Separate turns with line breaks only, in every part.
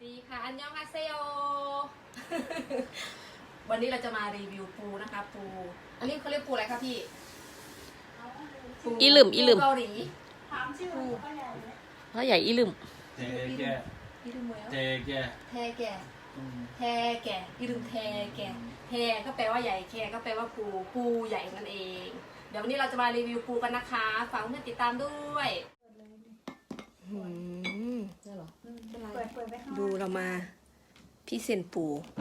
ดีค่ะอันยองอาเซโอ วันนี้เราจะมารีวิวปูนะคะปูอันนี้เขาเรียกปูอะไรคะพี่
อีหลึม
เกาหลี
ถามชื่อพ่อใหญ่ไหม
พ่อใหญ่อีหลึม
อีลืมแล้วแทแก่แก่อีลืมแทแก่แทก็แปลว่าใหญ่แก่ก็แปลว่าปูใหญ่นั่นเองเดี๋ยววันนี้เราจะมารีวิวปูกันนะคะฝากเพื่อนติดตามด้วยได้หรอ
เปิดไปข้าง
ดูเรามาพี่เซนปู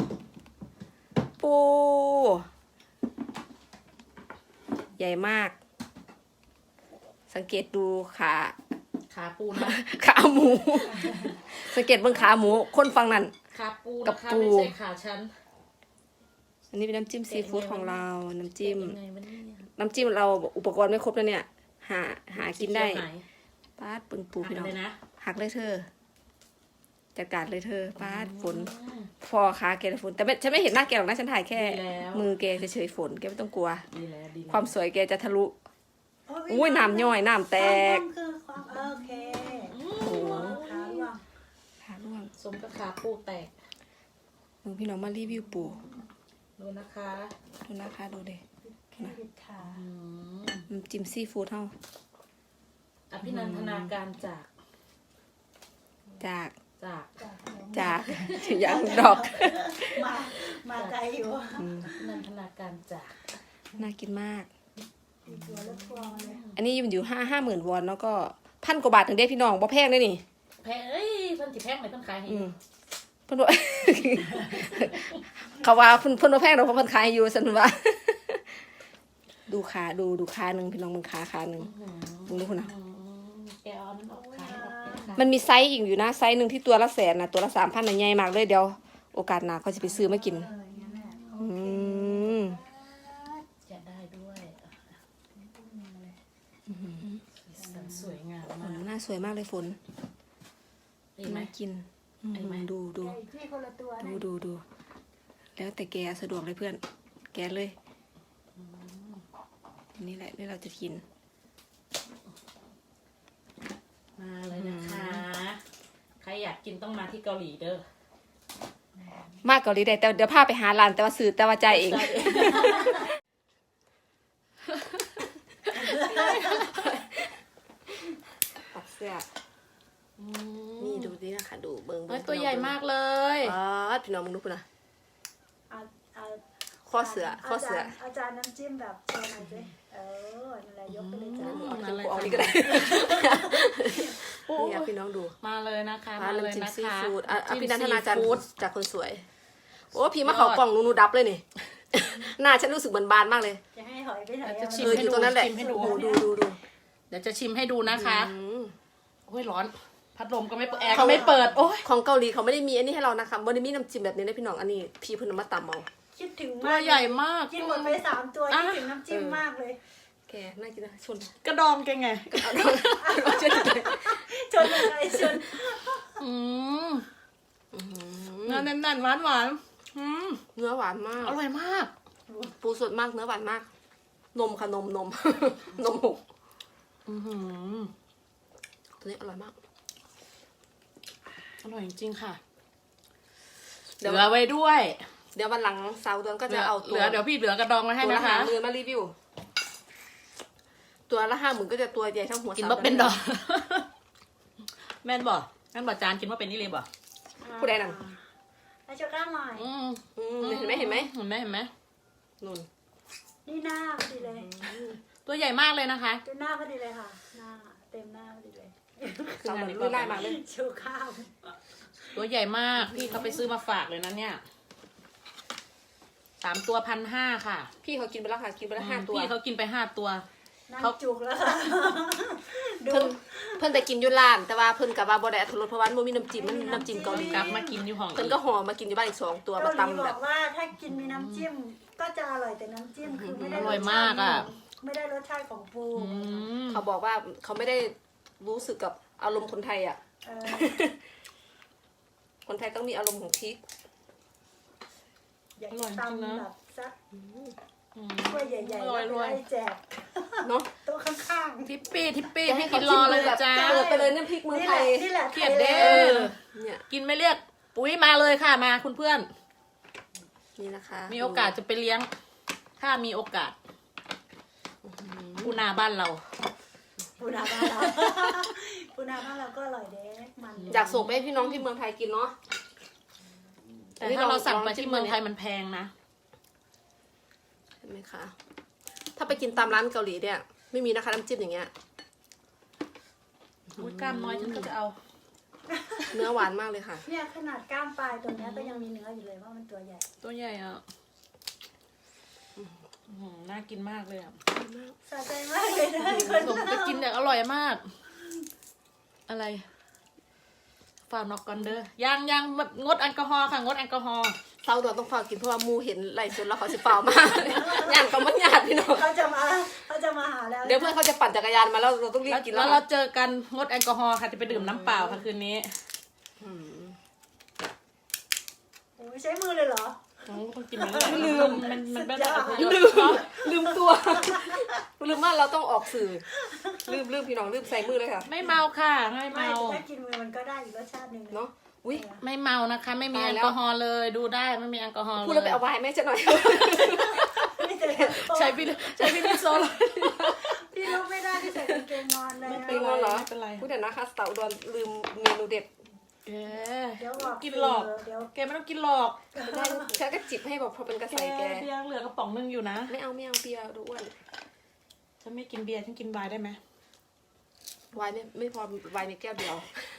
ใหญ่มาก สังเกตดู
ขาปูนะ
ขาหมู สังเกตเบื้องขาหมูคนฟังนั่น
ขาปู
กับปู
ไม่ใช่ขาฉัน
อันนี้เป็นน้ำจิ้มซีฟู้ดของเราน้ำจิ้ม
ยังไงวะเนี่ย
น้ำจิ้มเราอุปกรณ์ไม่ครบแล้วเนี่ยหากินได้
เคี่ยวหน
ป้าดปึงปูพี่น้อง
เลยนะ
หักเลยเธอจัดการเลยเธอป้าดฝนพอขาแกฝนแต่ฉันไม่เห็นหน้าแกหรอกนะฉันถ่ายแค่ มือแกเฉยๆฝนแกไม่ต้องกลัว
ดีแล้วดีแล้ว
ความสวยแกจะทะลุอุ้ยน้ำย่อยน้ำแตก
คือความโอเค
โอ้โห
ขาล่วง
ขาล่วง
สมกับขาปูแตก
มึงพี่น้องมารีวิวปู
ดูนะคะ
ดูนะคะดูดิ
แค่บิดขา
อืม
น้ำจิ้มซีฟู้ดเท่า
อภินันทนาการจาก
จาก
จาก
อย่างดอก
มาไกลอยู่
อภินันทนาการจาก
น่ากินมาก
ตีตัวแล้วทัวร์มาเลย
อันนี้มันอยู่50,000 วอนแล้วก็1,000 กว่าบาทถึงได้พี่น้องบ่แพงเลยนี่
แพงเอ้ยเพิ่นสิแพงไหมเพิ่นขายให้
เพิ่นว่า เขาว่าเพิ่นบ่แพงดอกเพราะเพิ่นขายอยู่ซั่นว่า ดูขาดูขาหนึงพี่น้องมึงขาหนึงมึงดูพุ่นน่ะ
แกเอามันออกขายออก
มันมีไซส์อีกอยู่นะไซส์หนึงที่ตัวละ100,000น่ะตัวละ 3,000 น่ะใหญ่มากเลยเดี๋ยวโอกาสหน้าเขาจะไปซื้อมากิน
อย่างนั้นแหละ
อืม
จะได้ด้วยสวยงามมาก
หน้าสวยมากเลยฝน
เห็นไหม
น่ากิน
เห็นไหม
ดู
ใหญ่ที่คนละตัวนะ
ดูแล้วแต่แกสะดวกเลยเพื่อนแกเลยนี่แหละนี่เราจะกิน
มาเลยนะคะ ใครอยากกินต้องมาที่เกาหลีเด้อ
มากเกาหลีได้แต่เดี๋ยวพาไปหาร้านแต่ว่าซื้อแต่ว่าจ่ายเอง ปักเสื้อนี่ดูดินะคะดูเบิ้ง
เฮ้ยตัวใหญ่มากเลย
พี่น้องมึงดูคุณนะ
เอา
ข้อเสือ
อาจารย์น้ำจิ้มแบบโชว์หน่อยสินั่นแหละยกไปเลยจ้า
เอานี่ก็ได้นี่พี่น้องดู
มาเลยนะคะ
ร้าน
มาเลย
น้ำจิ้ม
นะ
ซี
คะ
ฟู้ด
จิ้ม
พี่นันทนาจารย์
ซีฟู้ด
จากคนสวยโอ้พี่มาเขากล่องนูดับเลยนี่ หน้าฉันรู้สึกเหมือนบานมากเลย
จะให้หอยไปไหน
จะชิม
อยู่ตรงนั้นแหละ
ชิมให้ดู
ดู
เดี๋ยวจะชิมให้ดูนะคะ
อืม
โอ้ยร้อน พัดลมก็ไม่เปิดแอร์ก็ไม่เปิด โอ้ย
ของเกาหลีเขาไม่ได้มีอันนี้ให้เรานะคะไม่ได้มีน้ำจิ้มแบบนี้นะพี่น้องอันนี้พี่เพิ่นเอามาตำเอา
คิดถึง
ตั
มาว ก
ใหญ่มาก
กินหมดไป3 ตัวคิดถึงน้ำจิ้มมากเลย
แกน่ากินนะชน
กระดองแกไง
ชนอะไรชน
อืมเนื้อแน่นๆหวานๆอืม
เนื้อหวานมาก
อร่อยมาก
ปูสดมากเนื้อหวานมาก นมค่ะนม นมหก
อือหือ
ตัวนี้อร่อยมาก
อร่อยจริงๆค่ะ
เดี๋
เห
ยว
ลือไว้ด้วย
เดี๋ยววันหลังเสาร์เดือนก็จะเอาตัว
เดี๋ยวพี่เหลือกระดองมาให้
ตัวละ
นะคะ
50,000มารีวิว ตัวละ50,000ก็จะตัวใหญ่เท่าหัว
กินว่าเป็นดอกแม่นบ่แม่นบ่จานกินว่าเป็นนี่เลยบ่
ผู้ใดนั่น
ให้โชว์กล้ามหน่อย
เห็นไหม
เห็นไหม
นุ่น
นี่หน้าพอดีเลย
ตัวใหญ่มากเลยนะคะ
ดูหน้าพอดีเลยค่ะ หน้าเต็มหน้าพอดีเลย
เสาร์เหมือนรุ่นไล่มาเลย
โชว์ข้าว
ตัวใหญ่มาก พี่เขาไปซื้อมาฝากเลยนะเนี่ย3 ตัว1,500ค่ะ
พี่เขากินไปแล้วค่ะกินไปแล้ว5 ตัว
พี่เขากินไป5 ตัว
นั่งจุกแล้วค่ะดู
เพิ่นแต่กินอยู่ร้านแต่ว่าเพิ่นกับว่าบ่ได้อรรถรสเพราะว่ามันบ่มีน้ำจิ้มมันน้ำจิ้มเกาหลี
กลับมากินอยู่ห้อง
เพิ่นก็ห่อมากินอยู่บ้านอีก2 ตัว
เกา
มา
หลี
ตำ
บ
แบ
อบ กว่าถ้ากินมีน้ำจิ้มก็จะอร่อยแต่น้ำจิ้มคือไม่ได้
อร่อยมากอ่ะ
ไม่ได้รสชาติของปู
เขาบอกว่าเขาไม่ได้รู้สึกกับอารมณ์คนไทยอ่ะ
เออ
คนไทยต้องมีอารมณ์ของพริก
อยากจะตำแบบซัก
อืม
ถ้วยใหญ่ๆ
อร่อย
แล้วไปแจก
เนาะ
โต๊ะข้างๆ
ทิปปี้
จะ
ให้กินรอเลยจ้า
เปิดไปเลยน้ำพริกเมืองไทย
นี่แหละ
เครียดเด้
เนี่ย
กินไม่เรียกปุ๋ยมาเลยค่ะมาคุณเพื่อน
นี่นะคะ
มีโอกาสจะไปเลี้ยง ถ้ามีโอกาสปูนาบ้านเรา
ปูนาบ้านเรา ปูนาบ้านเราก็อร่อยเด้มัน
อยากส่งไปให้พี่น้องที่เมืองไทยกินเนาะ
แต่ถ้าเราสั่งไปที่เมืองไทยมันแพงนะ
เห็นไหมคะ ถ้าไปกินตามร้านเกาหลีเนี่ยไม่มีนะคะน้ำจิ้มอย่างเงี้ย
อุ้ยกล้ามน้อยฉันก็จะเอา
เนื้อหวานมากเลยค่ะ
เนี่ยขนาดก้ามปลายตัวเนี้ยก็ยังมีเนื้ออยู่เลยว่ามันตัวใหญ่
ตัวใหญ่อ่ะน่ากินมากเลยอ่ะ
สะใจมากเลยนะคน
ส่งไปกินเนี่ยอร่อยมาก อะไรฝากนอกก่อนเด้อย่างแบบงดแอลกอฮอล์ค่ะงดแอลกอฮอล์
เซาดอนต้องฝากกินเพราะว่ามูเห็นไหลฟ์สดแล้วเขาสิเปล่ามาก ย่างกับมันหยาดพี่น้อง
เขาจะมาหาแล้ว
เดี๋ยวเพื่อนเขาจะปั่นจักรยานมาแล้วเราต้องรีบกิน
แล้
แล้ว ว
เราเจอกันงดแอลกอฮอล์ค่ะจะไปดื่มน้ำเปล่าค่ะคืนนี้
โอ้ยใช้มือเลยเหรอ
น้องต้องกินมันลืมมันเป็นแบบ
ลืมตัว ลืมว่าเราต้องออกสื่อ ลืมพี่น้องลืมใส่มือเลยค่ะ
ไม่เมาค่ะไม่
ไม่
เมา
ถ้ากินมือมันก็ได้อีกรสชาติหนึ่ง
เนาะอุ้ย
ไม่เมานะคะ ไม่มี
ตาย
แอล
แล้ว
กอฮอล์เลยดูได้ไม่มีแอลกอฮอล์เลย
พูดแล้วไปเอาไวน์แม่จะหน่อย
ไม่แต่
ใช้พี่โซล
พี่ลูกไม่ได้ที่ใส่กางเกงนอนเลย
ไม่เป็นไรเหรอ
ไม่เป็นไร
พูดเดี๋ยวนะคะสาวอุดรลืมเมนูเด็ด
แก
เดี๋ยวบอก
กินหลอก
เดี๋ยว
แกไม่ต้องกินหรอก
ได้ฉันก็จิบให้บอกพอเป็นกระใสแก
เบียร์เหลือกระป๋องนึงอยู่นะ
ไม่เอาเบียร์ดูอ้วน
ฉันไม่กินเบียร์ฉันกินไวน์ได้ไหม
ไวน์ไม่พอไวน์ในแก้วเดียว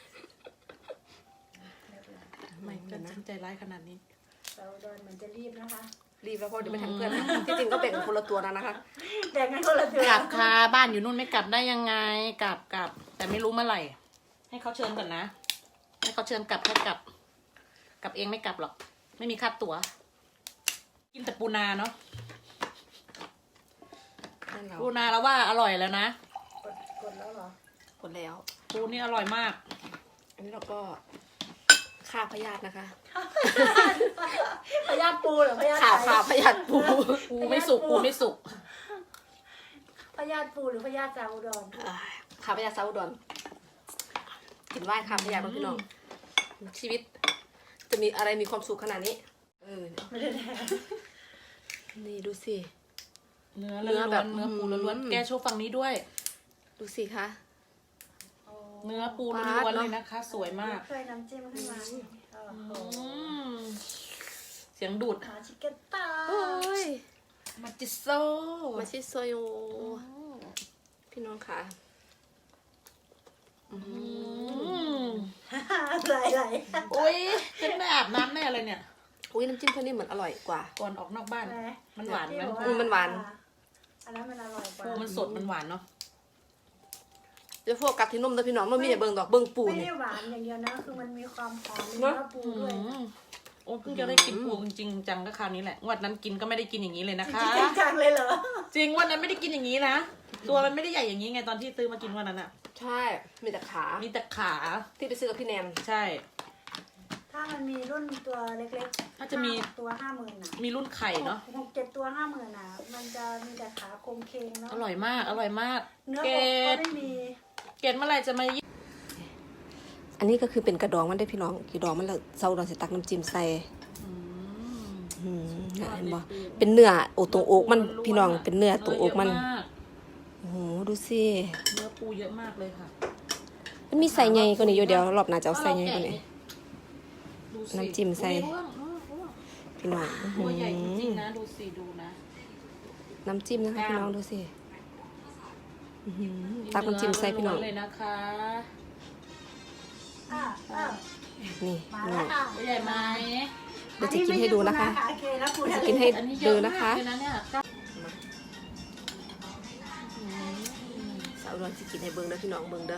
ไม่ก็ฉันใจร้ายขนาดนี้
เราโดนเหมือนจะรีบนะคะ
รีบแล้วเพราะเดี๋ยวไม่ทันเพื่อนนะที่จริงก็แบ่งคนละตัวนะนะคะ
แบ่งกันคนละตัว
กลับค่ะบ้านอยู่นู่นไม่กลับได้ยังไงกลับแต่ไม่รู้เมื่อไหร่ ให้เขาเชิญก่อนนะให้เขาเชิญกลับให้กลับเองไม่กลับหรอก ไม่มีค่าตั๋ว กินแต่ปูนาเนาะ
นั่นเรา
ปูนาแล้วว่าอร่อยแล้วนะ
กดแล้วเหรอ
คนแล้ว
ปูนี่อร่อยมาก
อันนี้เราก็ฆ่าพยาธินะคะ
พยาธิปูเหรอพยาธิ
ข่าว
ไก่
ข่าวพยาธิปู
ปูไม่สุกปูไม่สุก
พยาธิปูหรือพยาธิซาอุดร
ข่าวพยาธิซาอุดรกินไหว้ข่าวพยาธิพี่น้องชีวิต จะมีอะไรมีความสุขขนาดนี้
ไม่ได้แดง
นี่ดูสิ
เนื้อ
เนื้อแบบ
เนื้อปูล้วนๆแกโชว์ฝั่งนี้ด้วย
ดูสิคะ
เนื้อปูล้วนๆเลยนะคะ สวยมาก
เคยน้ำจิ้มขึ้นมาโอ้โห
เสียงดูด
หาชิคเก้นตา
โอ้ย
มาจิโซ
มาชิโซโยพี่น้องค่ะ
ไหล
โอ้ยฉันไม่อาบน้ำแน่เลยเนี่ย
อุ้ยน้ำจิ้มเพื่อนนี่เหมือนอร่อยกว่า
ก่อนออกนอกบ้าน มันหวานไหม
มันหวาน
อันนั้นมันอร่อยกว่า
ปูมันสดมันหวานเนาะ
เดี๋ยวพวกกับที่นุ่มนะพี่น้องมันมีแต่เบิ่งดอกเบิ่งปู
ไม่
เนี่
ได้
ย
หวานอย่างเดียวนะคือมันมีความหอมเนื้อปูด้วย
โอ้เพิ่งจะได้กินปูจริงๆจังก็คราวนี้แหละงวันนั้นกินก็ไม่ได้กินอย่างนี้เลยนะคะ
จริงจังเลยเหรอ
จริงวันนั้นไม่ได้กินอย่างนี้นะ ตัวมันไม่ได้ใหญ่อย่างนี้ไงตอนที่ซื้อมากินวันนั้นอะ
ใช่ มีแต่ขา
มีแต่ขา
ที่ไปซื้อกับพี่แนน
ใช่
ถ้ามันมีรุ่นตัวเล็กๆ
ถ้าจะมี
ตัว50,000นะ
มีรุ่นไข่เนาะ
6-7 ตัว50,000นะมันจะมีแต่ขาโครงเคงเนาะ
อร่อยมากอร่อยมาก
เนื้อ
เก
อกก็
ด
ไม่มี
เกดเมื่อไหร่จะมา
อันนี้ก็คือเป็นกระดองมันได้พี่น้องกระดองมันแล้วเซาดอนสิตักน้ำจิ้มใส่เห็นบ่เป็นเนื้อโอตรงอกมันพี่น้องเป็นเนื้อตรงอกมัน โอ้โหดูสิ
เนื้อปูเยอะมากเลยค่ะ
มันมีใส่ใหญ่กว่านี้อยู่เดี๋ยวรอบหน้าจะเอาใส่ใหญ่กว่านี้
ดูสิ
น้ำจิ้มใส่
อุ๊ย
พี่น้อง
ตัวใหญ่จริงๆนะดูสิดูนะ
น้ำจิ้มนะคะพี่น้องดูสิตักน้ำจิ้มใส่พี่น้อง
เลยนะคะ
นี่
มา
พี่น้
แล้
อ
ว
ง
ค่ะ
ตัวใหญ่ไหม
เดี๋ยวจะกินให้ดูนะคะ
โอเคแล้วปูทะ
จะ
เล
กินให้
อันนี้เย
ดู
อะ
นะ
มาก
คะ
เลยนะเนี่ย
สาวรอนสิกินให้เบิ่งเด้อพี่น้องเบิ่งเด้อ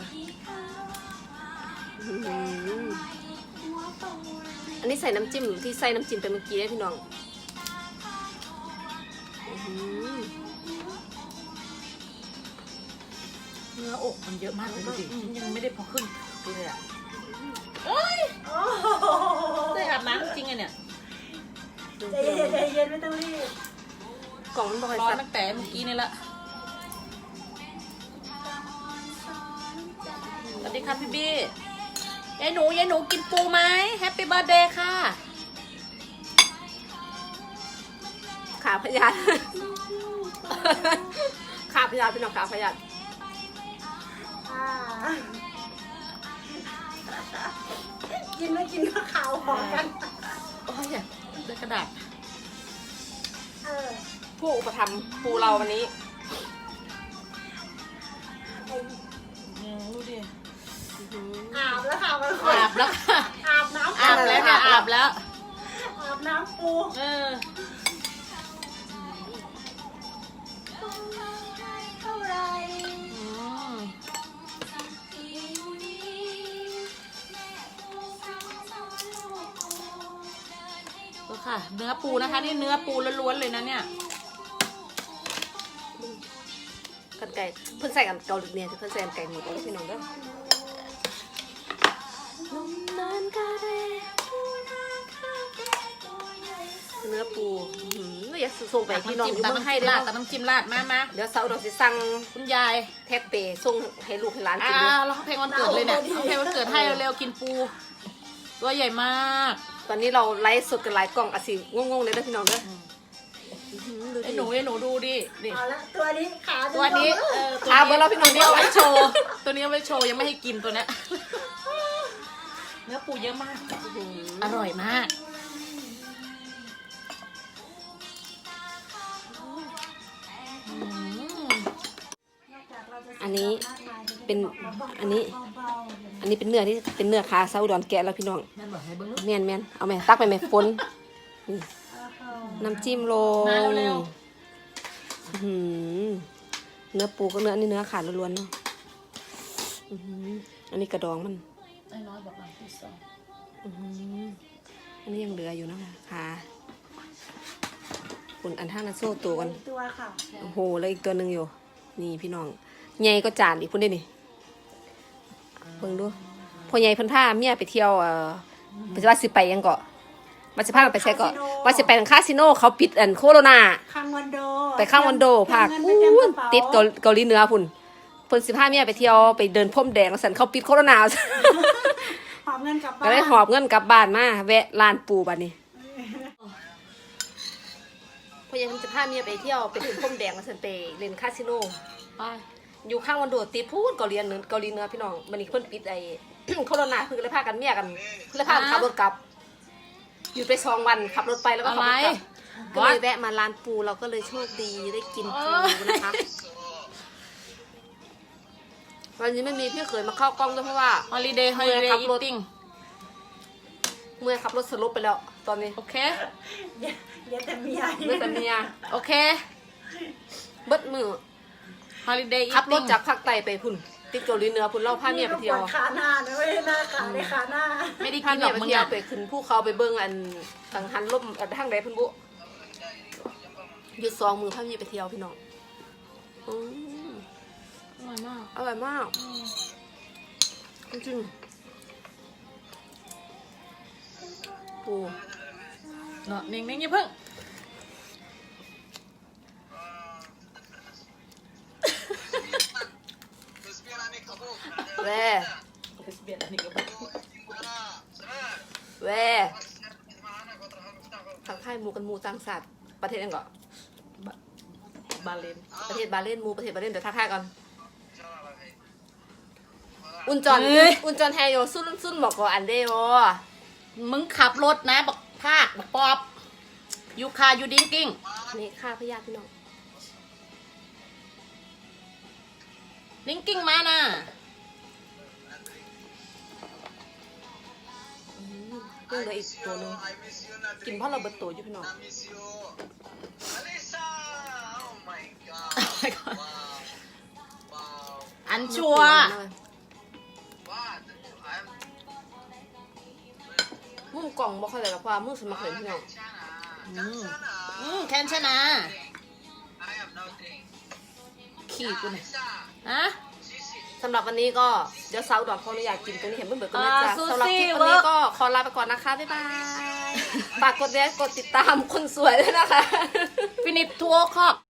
อันนี้ใส่น้ำจิ้มที่ใส่น้ำจิ้มไปเมื่อกี้นะพี่น้อง
เนื้ออกมันเยอะมากเลยดูดิฉันยังไม่ได้พอครึ่งเลยอ่ะ
โอ้โห
ได้อาบน้ำจริงไงเนี่ย
ใจเย็นใจเย็นไม่ต้องรีบ
กล่องมันบอกให้
ร้อน
สับ
ตั้งแต่เมื่อกี้นี่ละสวัสดีครับพี่บี้ยายหนูกินปูไหมแฮปปี้เบิร์ดเดย์ค่ะ
ขาพยาน ขาพยานพี่น้องขาพยาน
อ่ากินไม่กินก็ข่าวหอกัน
โอ้ยได้กระดาษ
เออ
ผู้อุปถัมภ์ปูเราวันนี้
ดูดิ
อาบแล้วค่ะมัน
อาบแล้วค่ะ
อาบน้ำ
อาบแล้วเนี่ยอาบแล้ว
อาบน้ำปู
เออ
เท่าไร
อืมดูค่ะ เนื้อปูนะคะนี่เนื้อปูล้วนๆเลยนะเนี่ย
กันไก่เพิ่นใส่กันเกาหลีเนี่ยเพิ่นใส่กันไก่หมูตัวพี่น้องเด้อเนื้อปูอยากส่งไปพี่น้องอยู่เมืองไทยได้
แต่น้ำจิ้มราดมา
เดี๋ยวเสาร์เราสิสั่ง
คุณยาย
แท็กเปส่งให้ลูกให้หลานกิน
เราเพลงวันเกิดเลยเนี่ยเอาเพลงวันเกิดให้เร็วๆกินปู ตัวใหญ่มาก
ตอนนี้เราไลฟ์สดกันหลายกล่องอาสิงงๆเลยนะพี่น้องเด้อ
ไอ้หนูดูดิ
เอาละตัวนี้ขา
ตัวนี้
ขาเบอร์เราพี่น้อง
ตัวนี้เอาไว้โชว์ ตัวนี้เอาไว้โชว์ยังไม่ให้กินตัวเนี้ยเนื้อปูเยอะมาก อร่อยมาก
อันนี้เป็นอันนี้เป็นเนื้อที่เป็นเนื้อขาเซาอุดรแกะแล้วพี่น้อง
แม่บอกให้เบิ้ง
แม่นเอาไหมตักไปไหมฝนนี่น้ำจิ้มลง
มาเร็ว
อื้อหือเนื้อปูก็เนื้ออันนี้เนื้อขาล้วนๆเนาะอื้อหืออันนี้กระดองมัน
ไอ้น้อยบอกมาที่สอง
อื้อหืออันนี้ยังเหลืออยู่นะคะขาคุณอันท่านาโซ่ตัวกัน
ตัวค่ะ
โอ้โหแล้วอีกตัวหนึ่งอยู่นี่พี่น้องใหญ่ก็จานอีกพุ่นได้นี่เบิ่งดูพอใหญ่เพิ่นพาเมียไปเที่ยวเพิ่นว่าสิไปยังเกาะว่าสิพากันไปใช้เกาะว่าสิไปทางคาสิโนเขาปิดโคโรนา
ข้างวันโด
ไปข้างวันโดภาค
เงินไม่เต็มกระเป๋า
ติดเกาหลีเหนือพุ่นเพิ่นสิพาเมียไปเที่ยวไปเดินพรมแดงแล้วสันเขาปิดโคโรนา
หอบเงินกลับบ้าน
ก็เลยหอบเงินกลับบ้านมาแวะร้านปูบัดนี้พอยังจะพาเมียไปเที่ยวไปเดินพรมแดงแล้วสันไปเล่นคาสิโน
ไป
อยู่ข้างวันโดดติดพูดเกาหลีเหนือพี่น้องมันนี่เพิ่นปิดไอ้ โคโรนาเพิ่นก็เลยพากันเมียกันเพิ่นเลยพากันขับรถกลับ อยู่ไป2 วันขับรถไปแล้วก็ขับรถกลับก็เลยแวะมาร้านปูเราก็เลยโชคดีได้กินปูนะคะวันนี้ไม่มีพี่เขยมาเข้ากล้องด้วยเพราะว่า
ฮอลิเดย์อีติ้ง
เมื่อขับรถสลบไปแล้วตอนนี้
โอเค
เดี๋ยวแต่เมีย
เมื่อแต่เมีย
โอเค
เบิดมือ
ฮอลิเดย์อี
ขับร
ติ้
ถ
ง
จากภาคใต้ไปพุ่นติดเกาหลีเหนือพุ่นเล่าพาเมียไปเที่ยว
ขาหน้านะไม่ใช่หน้าขาในขาหน้า
ไม่ได้
พา
กินหร
เมี
อย กมึงอ่ะ
ไปเที่ยวไปขึ้นภูเขาไปเบิ่งอันกังหันลมทางใดพุ่นบุหยุด2 มือพาเมียไปเที่ยวพี่น้องอืม
อร่อยมาก
อร่อยมากจริงๆปู
เนาะนิ่งๆอย่าเพิ่ง
แว่แว่ทางค่ายหมูกันหมูต่างศาสตร์ประเทศยังก่อน
บาเลน
ประเทศบาเลนหมูประเทศบาเลนเดี๋ยวทักทายก่อนอุ่นจอนแฮโยซุ่นบอกก่อนอันเดียว
มึงขับรถนะบักภาคบักปอบยูคายูดิ้งกิ้ง
นี่ค่าพยาธิพี่น้อง
ดิ้งกิ้งมานะ
เพิ่งเหลืออีกตัวหนึงกินเพราะเราเบิดตัวอยู่พี่น้อง
อันชัว
มุมกล่องบ่ค่อยเลยหรอกว่ามือสมัครเล่นพี่น้อง
แคนชนะขี่กูเนี่ยฮะ
สำหรับวันนี้ก็เดี๋ยวเซาดอกขออนุญาตกินตัวนี้เห็นเบิ่งกันเลยจ้ะ
ซูซี่
สำหรับคลิปวันนี้ก็ขอลาไปก่อนนะคะบ๊ายบายฝากกดไลค์กดติดตามคนสวยด้วยนะคะ
ฟินิชทัวร์คอก